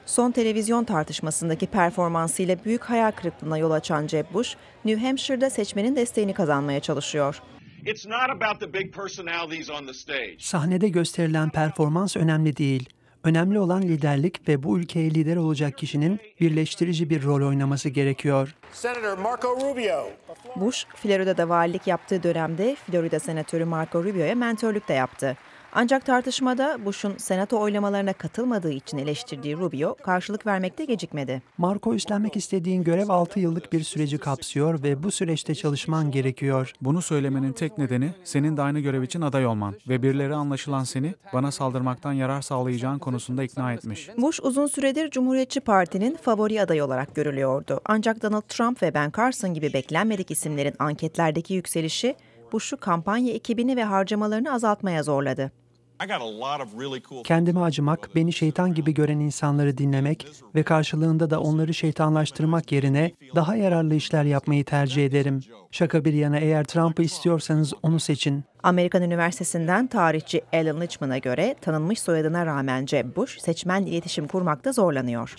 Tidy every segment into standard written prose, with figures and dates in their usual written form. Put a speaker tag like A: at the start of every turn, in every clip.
A: Son televizyon tartışmasındaki performansıyla büyük hayal kırıklığına yol açan Jeb Bush, New Hampshire'da seçmenin desteğini kazanmaya çalışıyor.
B: Sahnede gösterilen performans önemli değil. Önemli olan liderlik ve bu ülkeye lider olacak kişinin birleştirici bir rol oynaması gerekiyor.
A: Bush, Florida'da valilik yaptığı dönemde Florida Senatörü Marco Rubio'ya mentörlük de yaptı. Ancak tartışmada Bush'un senato oylamalarına katılmadığı için eleştirdiği Rubio, karşılık vermekte gecikmedi.
B: Marco, üstlenmek istediğin görev 6 yıllık bir süreci kapsıyor ve bu süreçte çalışman gerekiyor.
C: Bunu söylemenin tek nedeni senin de aynı görev için aday olman ve birileri anlaşılan seni bana saldırmaktan yarar sağlayacağın konusunda ikna etmiş.
A: Bush uzun süredir Cumhuriyetçi Parti'nin favori adayı olarak görülüyordu. Ancak Donald Trump ve Ben Carson gibi beklenmedik isimlerin anketlerdeki yükselişi Bush'u kampanya ekibini ve harcamalarını azaltmaya zorladı.
B: Kendime acımak, beni şeytan gibi gören insanları dinlemek ve karşılığında da onları şeytanlaştırmak yerine daha yararlı işler yapmayı tercih ederim. Şaka bir yana, eğer Trump'ı istiyorsanız onu seçin.
A: Amerikan Üniversitesi'nden tarihçi Alan Lichtman'a göre tanınmış soyadına rağmen Jeb Bush seçmenle iletişim kurmakta zorlanıyor.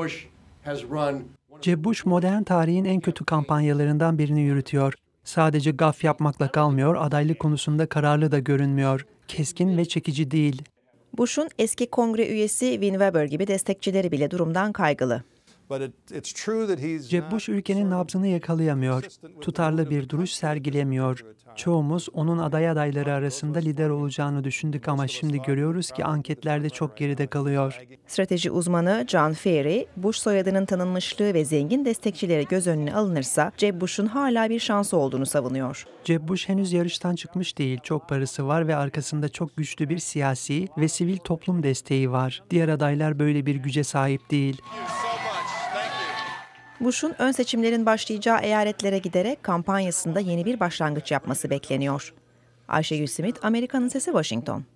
B: Jeb Bush modern tarihin en kötü kampanyalarından birini yürütüyor. Sadece gaf yapmakla kalmıyor, adaylık konusunda kararlı da görünmüyor. Keskin ve çekici değil.
A: Bush'un eski kongre üyesi Vin Weber gibi destekçileri bile durumdan kaygılı.
B: Jeb Bush ülkenin nabzını yakalayamıyor. Tutarlı bir duruş sergilemiyor. Çoğumuz onun adayları arasında lider olacağını düşündük ama şimdi görüyoruz ki anketlerde çok geride kalıyor.
A: Strateji uzmanı John Ferry, Bush soyadının tanınmışlığı ve zengin destekçileri göz önüne alınırsa Jeb Bush'un hala bir şansı olduğunu savunuyor.
B: Jeb Bush henüz yarıştan çıkmış değil. Çok parası var ve arkasında çok güçlü bir siyasi ve sivil toplum desteği var. Diğer adaylar böyle bir güce sahip değil.
A: Bush'un ön seçimlerin başlayacağı eyaletlere giderek kampanyasında yeni bir başlangıç yapması bekleniyor. Ayşegül Simit, Amerika'nın Sesi, Washington.